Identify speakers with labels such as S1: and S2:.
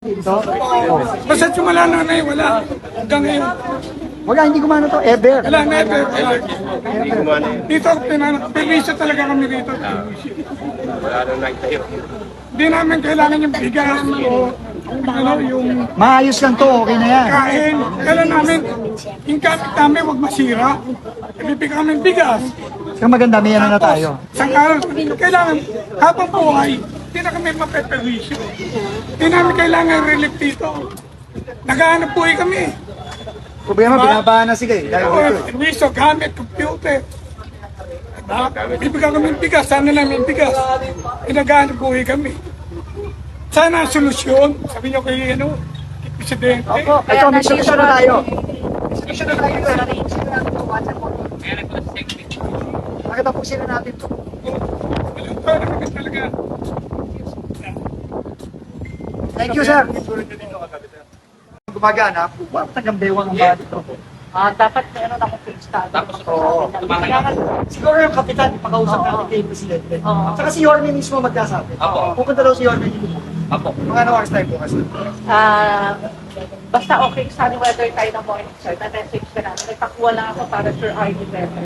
S1: Ito? Oo.
S2: Basta simula na ngayon, wala. Hanggang ngayon.
S1: Wala, hindi gumana to ever.
S2: Wala, never. Dito, permiso talaga kami dito.
S3: Wala nang nagtayo.
S2: Hindi namin kailangan yung bigas o ano, yung
S1: Maayos lang to, okay na yan.
S2: kain. Kailan namin, yung gamit namin huwag masira. Ibibigay kami bigas.
S1: Kung maganda, may ano na tayo.
S2: Saka, kailangan, habang buhay, hindi na kami mapeperwisyo. Hindi namin kailangan relief dito. Naghahanap buhay kami.
S1: Problema, binabahan na sila eh. Dahil dito eh.
S2: Perwisyo, gamit, computer. Diba? Bibigyan kami ng bigas, sana namin bigas. Naghahanap buhay kami. Sana ang solusyon, sabi niyo kay ano, kay Presidente.
S1: Ito, may solusyon na tayo. Solusyon na tayo. Nakitapusin na natin to.
S2: Walang taon na kami talaga.
S1: Thank you, sir. Gumagana, bakit hanggang bewang ang body to?
S4: Dapat meron akong fixed study.
S1: Oo. Siguro yung kapitan, ipakausap natin kay Presidente.
S4: Oo.
S1: Saka si Yorme mismo magkasabi. Pupunta daw si Yorme dito. Mga ano oras tayo bukas?
S4: Basta okay, sunny weather tayo ng morning, sir. Na-message ka namin. Nagpakuha lang ako para sure ID better.